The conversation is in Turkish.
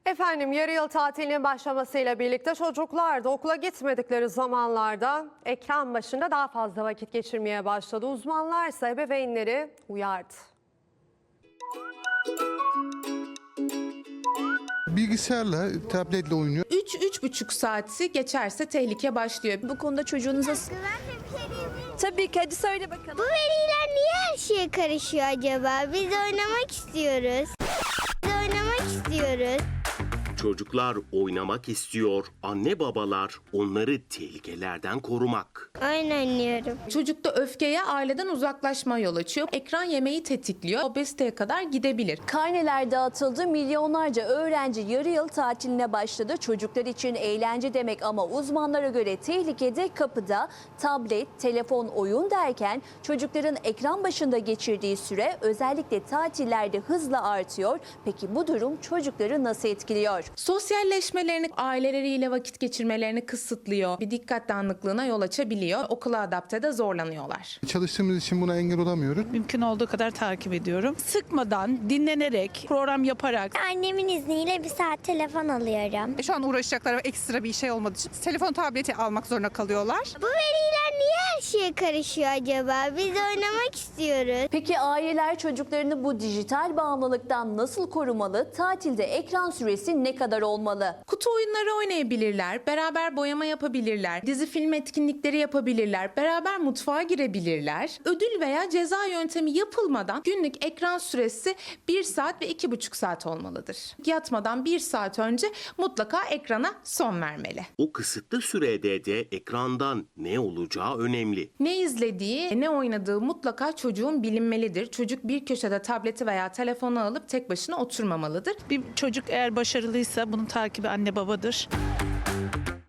Efendim, yarı yıl tatilinin başlamasıyla birlikte çocuklar da okula gitmedikleri zamanlarda ekran başında daha fazla vakit geçirmeye başladı. Uzmanlar ise ebeveynleri uyardı. Bilgisayarla, tabletle oynuyor. 3-3,5 saati geçerse tehlike başlıyor. Bu konuda çocuğunuza... Tabii ki, hadi söyle bakalım. Bu veriler niye her şeye karışıyor acaba? Biz oynamak istiyoruz. Biz oynamak istiyoruz. Çocuklar oynamak istiyor, anne babalar onları tehlikelerden korumak. Oyun oynuyorum. Çocukta öfkeye, aileden uzaklaşma yol açıyor. Ekran yemeği tetikliyor. Obeziteye kadar gidebilir. Karneler dağıtıldı, milyonlarca öğrenci yarı yıl tatiline başladı. Çocuklar için eğlence demek ama uzmanlara göre tehlikede kapıda. Tablet, telefon, oyun derken çocukların ekran başında geçirdiği süre özellikle tatillerde hızla artıyor. Peki bu durum çocukları nasıl etkiliyor? Sosyalleşmelerini, aileleriyle vakit geçirmelerini kısıtlıyor. Bir dikkat dağınıklığına yol açabiliyor. Okula adaptede zorlanıyorlar. Çalıştığımız için buna engel olamıyoruz. Mümkün olduğu kadar takip ediyorum. Sıkmadan, dinlenerek, program yaparak. Annemin izniyle bir saat telefon alıyorum. Şu an uğraşacakları ekstra bir şey olmadığı için telefon tableti almak zorunda kalıyorlar. Bu veriler niye her şeye karışıyor acaba? Biz oynamak istiyoruz. Peki aileler çocuklarını bu dijital bağımlılıktan nasıl korumalı? Tatilde ekran süresi ne kadar olmalı? Kutu oyunları oynayabilirler, beraber boyama yapabilirler, dizi film etkinlikleri yapabilirler, beraber mutfağa girebilirler. Ödül veya ceza yöntemi yapılmadan günlük ekran süresi 1 saat ve 2,5 saat olmalıdır. Yatmadan 1 saat önce mutlaka ekrana son vermeli. O kısıtlı sürede de ekrandan ne olacağı önemli. Ne izlediği, ne oynadığı mutlaka çocuğun bilinmelidir. Çocuk bir köşede tableti veya telefonu alıp tek başına oturmamalıdır. Bir çocuk eğer başarılıysa bunun takibi anne babadır.